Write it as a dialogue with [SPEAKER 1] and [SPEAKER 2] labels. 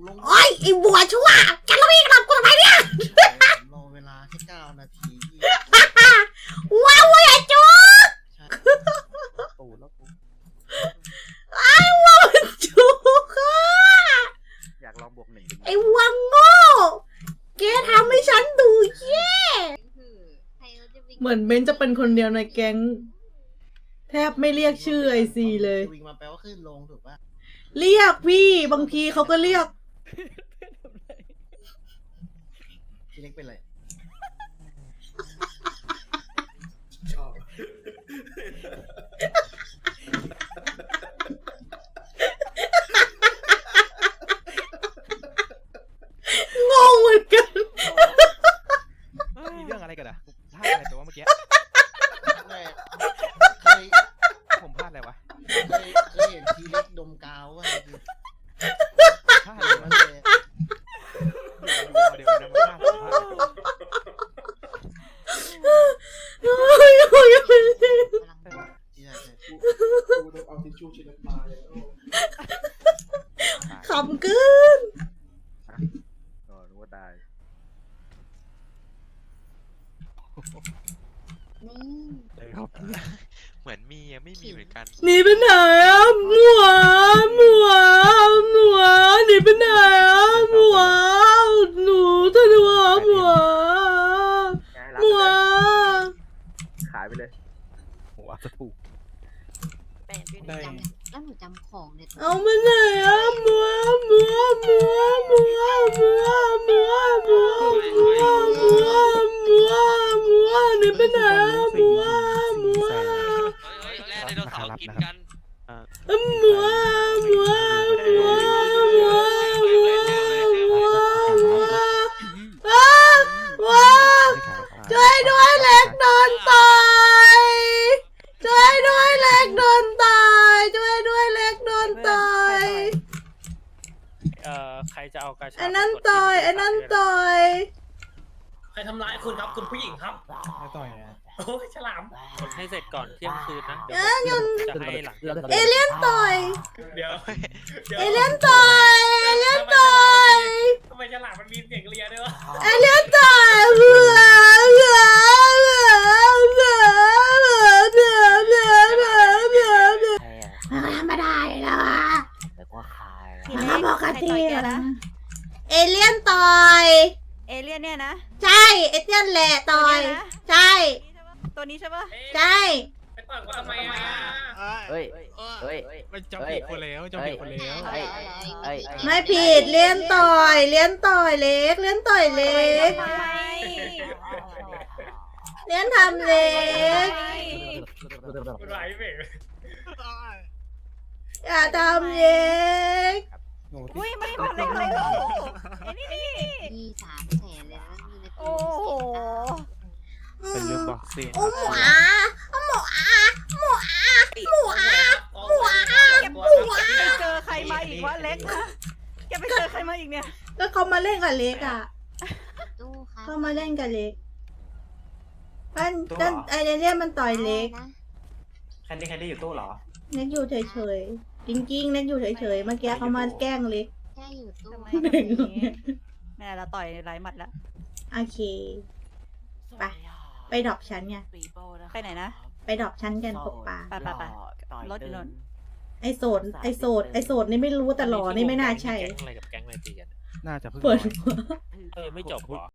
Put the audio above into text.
[SPEAKER 1] ลง
[SPEAKER 2] โอ้ยไอ้บัวชั่วจะเราอีกหลับกูทำไมเนี่ย
[SPEAKER 1] รอเวลาแค่9 นาที
[SPEAKER 2] ว้าวอย่าจุก
[SPEAKER 1] ใช่ตูดแล้วกู
[SPEAKER 2] ไอ้วัวจุกอะ
[SPEAKER 1] อยากลองบวก1
[SPEAKER 2] ไอ้วังโง่แกทำให้ฉันดูแย่เหมือนเบนจะเป็นคนเดียวในแก๊งแทบไม่เรียกชื่อไอซีเลย
[SPEAKER 1] วิ่งมาแปลว่าขึ้นลงถูกป่ะ
[SPEAKER 2] เรียกพี่บางทีเขาก็เรียก
[SPEAKER 1] พี่เล็กเป็นไร
[SPEAKER 3] ชอบ
[SPEAKER 2] งงเหมือนกัน
[SPEAKER 4] มีเรื่องอะไรกันอ่ะพลาดอะไรตัวเมื่อกี้
[SPEAKER 1] เคย
[SPEAKER 4] ผมพลาดอะไรวะ
[SPEAKER 1] เคยเห็นทีเล็กดมกาวว่า
[SPEAKER 4] พลาดอะไรวะเดี๋ยวนะพลาดตัว
[SPEAKER 1] ใช่
[SPEAKER 3] กูต้องเอาทิชชู่เช็ดน้ำตาเลย
[SPEAKER 2] ขำเกิน
[SPEAKER 4] รู้ว่าตาย
[SPEAKER 5] นี่
[SPEAKER 4] ครับ
[SPEAKER 6] เหมือนมียังไม่มีเหมือนกัน
[SPEAKER 2] หนีไปไหนอ่ะหมัวหนีไปไหนอ่ะหนูท่านหัวหมัว
[SPEAKER 4] ขายไปเลยหัวจะถูก
[SPEAKER 5] แล้วหนูจำของเนี่ย
[SPEAKER 2] เอาไปไหนอ่ะหมัวหนีไปไหนอ่ะหมัว
[SPEAKER 6] เฮ้ยแร่ไดโนเสาร์กินกัน
[SPEAKER 2] ช่วยด้วยเล็กโดนต่อยช่วยด้วยเล็กโดนต่อยช่วยด้วยเล็กโดนต่อย
[SPEAKER 7] ใครจะเอากระชาก
[SPEAKER 2] ไอ้นั่นต่อยไอ้นั่นต่อย
[SPEAKER 8] ใครทำร้ายคุณครับคุณผู้หญิงครับ
[SPEAKER 3] ไม่ต่อยนะ
[SPEAKER 8] โอ้ยฉลาม
[SPEAKER 7] กดให้เสร็จก่อนเที่ยงคืนนะ
[SPEAKER 2] เอ้ย
[SPEAKER 7] เดี๋ยวผมจะให้หลัง
[SPEAKER 2] เอเลี่ยนต่อย
[SPEAKER 8] เดี๋ยว
[SPEAKER 2] เอเลี่ยนต่อยเอเลี่ยนต่อย
[SPEAKER 8] ทำไมฉลามมันมีเสียงเลียด้วยวะ
[SPEAKER 2] เอเลี่ยนต่อยธรรมดาแล้วอ่ะ
[SPEAKER 1] แต่ว่าขาย
[SPEAKER 2] ปกตินะเอเลี่ยนต่อย
[SPEAKER 9] เอเลี่ยนเนี่ยนะ
[SPEAKER 2] ใช่เอเลี่ยนแหละต่อยใช่
[SPEAKER 9] ตัวนี้ใช่ปะ
[SPEAKER 2] ใช่
[SPEAKER 8] ไปต่อยกูทำไมอ่ะ
[SPEAKER 1] เฮ้ย
[SPEAKER 4] มันจำผิดคนแล้วจำผิดคนแล้ว
[SPEAKER 2] ไม่ผิดเลี้ยนต่อยเลี้ยนต่อยเล็กเลี้ยนต่อยเล็ก
[SPEAKER 9] ทำไม
[SPEAKER 2] เลี้ยนทำเล็ก
[SPEAKER 8] กูไหลเบรก
[SPEAKER 2] อย่าทำเล็ก
[SPEAKER 9] อุ้ยไม่ได้ทำอะไรเลยลูกไอ้นี่
[SPEAKER 5] มี300,000เลยนะมีใน
[SPEAKER 9] โอ้
[SPEAKER 5] ตู้
[SPEAKER 9] โห
[SPEAKER 4] เป็นเรื่องบอกเสียง
[SPEAKER 2] โอ้หมูอาหมูอาหมูอา
[SPEAKER 9] แกไปเจอใครมาอีกวะเล็กนะแกไปเจอใครมาอีกเนี่ย
[SPEAKER 2] ก็เขามาเล่นกับเล็กอ่ะ
[SPEAKER 5] ตู้ครับ
[SPEAKER 2] เขามาเล่นกับเล็กมันไอเลี่ยนมันต่อยเล็ก
[SPEAKER 5] นะ
[SPEAKER 3] แคนดี้อยู่ตู้เหรอ
[SPEAKER 2] เล็กอยู่เฉยๆจริงๆเล็กอยู่เฉยๆเมื่อกี้เขามาแกล้งเล็ก
[SPEAKER 5] แค่อยู่ตู้
[SPEAKER 9] ทำไมทำอย่างนี้แม่เราต่อยไร้หมัดแล้ว
[SPEAKER 2] โอเคไปดรอปชั้นไง
[SPEAKER 9] ไปไหนนะ
[SPEAKER 2] ไปดรอปชั้นกันตกปลา
[SPEAKER 9] ไปรถอยู่นน
[SPEAKER 2] ไอโสดนี่ไม่รู้แต่หล่อนี่ไม่น่าใช่
[SPEAKER 7] แก๊งอะไรกับแก๊งอะไรตีกัน
[SPEAKER 4] น่าจะเพิ่ง
[SPEAKER 2] เปิด
[SPEAKER 7] ไม่จบหรอ